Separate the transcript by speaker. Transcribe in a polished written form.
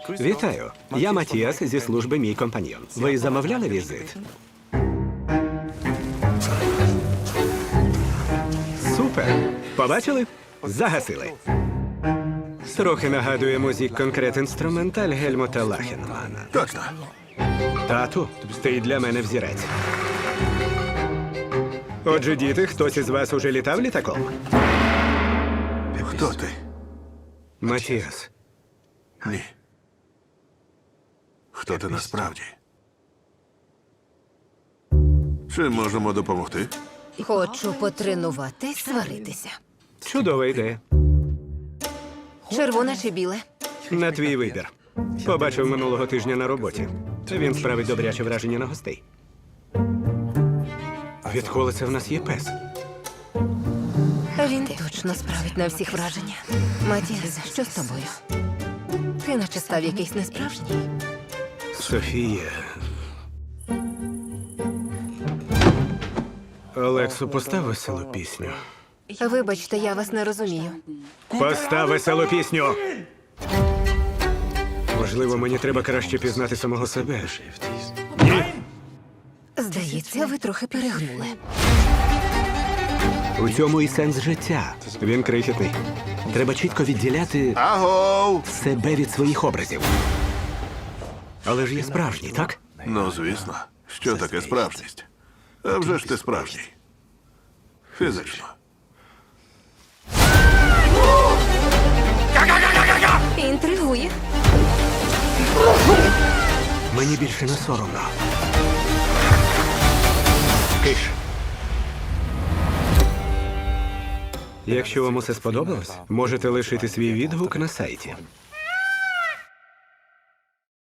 Speaker 1: Вітаю. Я Матіас зі служби «Мій компаньйон». Ви замовляли візит? Супер! Побачили? Загасили. Трохи нагадує музик конкрет інструменталь Гельмута Лахенмана.
Speaker 2: Точно.
Speaker 1: Тату, ти для мене взірець. Отже, діти, хтось із вас уже літав літаком?
Speaker 2: Хто ти?
Speaker 1: Матіас.
Speaker 2: Ні. Хто ти насправді? Чим можемо допомогти?
Speaker 3: Хочу потренуватись сваритися.
Speaker 1: Чудова ідея.
Speaker 3: Червоне чи біле?
Speaker 1: На твій вибір. Побачив минулого тижня на роботі. Він справить добряче враження на гостей. Відколи це в нас є пес?
Speaker 3: Він точно справить на всіх враження. Матіас, що з тобою? Ти наче став якийсь несправжній.
Speaker 1: Софія. Олексу, постав веселу пісню.
Speaker 3: Вибачте, я вас не розумію.
Speaker 1: Постав веселу пісню! Можливо, мені треба краще пізнати самого себе.
Speaker 3: Здається, ви трохи перегнули.
Speaker 1: У цьому і сенс життя. Він крихітний. Треба чітко відділяти
Speaker 2: Агов!
Speaker 1: себе від своїх образів. Але ж є справжній, так?
Speaker 2: Ну, звісно. Що таке справжність? А вже ж ти справжній. Фізично.
Speaker 3: Інтригує.
Speaker 1: Мені більше не соромно. Киш. Якщо вам усе сподобалось, можете лишити свій відгук на сайті.